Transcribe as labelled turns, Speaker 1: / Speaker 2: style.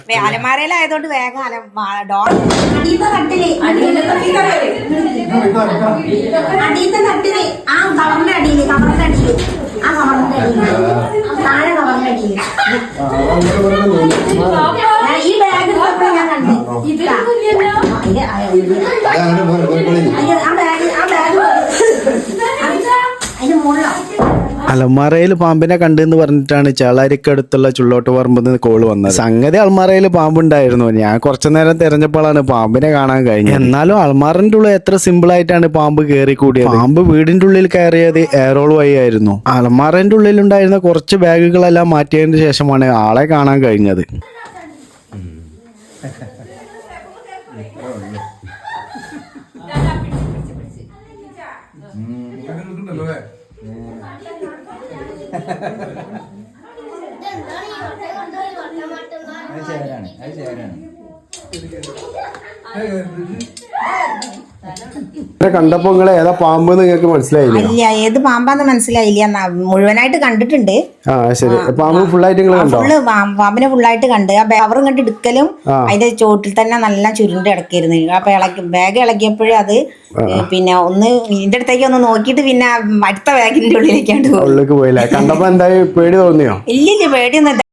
Speaker 1: അലമാരയിലായതുകൊണ്ട് വേഗം അടിയത്തെ തട്ടില് ആ കവറിന്റെ അടിയില് ആ കവറിന്റെ അടിയില് താഴെ കവറിന്റെ അടിയില് ഈ ബാഗ് ഞാൻ കണ്ടു അതിന്റെ മുകളിലോ
Speaker 2: അലമാറയിൽ പാമ്പിനെ കണ്ടെന്ന് പറഞ്ഞിട്ടാണ് ചേളാരിക്കടുത്തുള്ള ചുള്ളോട്ട് പറമ്പെന്ന് കോള് വന്നത്. സംഗതി അൽമാറയിൽ പാമ്പുണ്ടായിരുന്നു. ഞാൻ കുറച്ചു നേരം തിരഞ്ഞപ്പോഴാണ് പാമ്പിനെ കാണാൻ കഴിഞ്ഞത്. എന്നാലും അൽമാറിന്റെ ഉള്ളിൽ എത്ര സിമ്പിൾ ആയിട്ടാണ് പാമ്പ് കയറി കൂടിയത്. പാമ്പ് വീടിന്റെ ഉള്ളിൽ കയറിയത് എയറോൾ വഴി ആയിരുന്നു. അൽമാറിന്റെ ഉള്ളിൽ ഉണ്ടായിരുന്ന കുറച്ച് ബാഗുകളെല്ലാം മാറ്റിയതിന് ശേഷമാണ് ആളെ കാണാൻ കഴിഞ്ഞത്. കണ്ടപ്പോ നിങ്ങളെ ഏതാ പാമ്പ് നിങ്ങൾക്ക് മനസ്സിലായില്ല?
Speaker 1: ഇല്ല, ഏത് പാമ്പാന്ന് മനസ്സിലായില്ല. മുഴുവനായിട്ട് കണ്ടിട്ടുണ്ട്.
Speaker 2: ആ ശരി. പാമ്പ് ഫുള്ളായിട്ട്
Speaker 1: പാമ്പിനെ ഫുള്ളായിട്ട് കണ്ട് ആ കവറും കണ്ട് എടുക്കലും അതിന്റെ ചോട്ടിൽ തന്നെ നല്ല ചുരുണ്ട് കിടക്കായിരുന്നു. അപ്പൊ ബാഗ് ഇളക്കിയപ്പോഴേ അത് പിന്നെ ഒന്ന് ഇതിന്റെ അടുത്തേക്ക് ഒന്ന് നോക്കിയിട്ട് പിന്നെ അടുത്ത ബാഗിന്റെ ഉള്ളിലേക്കാണ്ട്
Speaker 2: പോയില്ല. കണ്ടപ്പോ എന്തായാലും പേടി തോന്നിയോ?
Speaker 1: ഇല്ലില്ല, പേടിയൊന്നും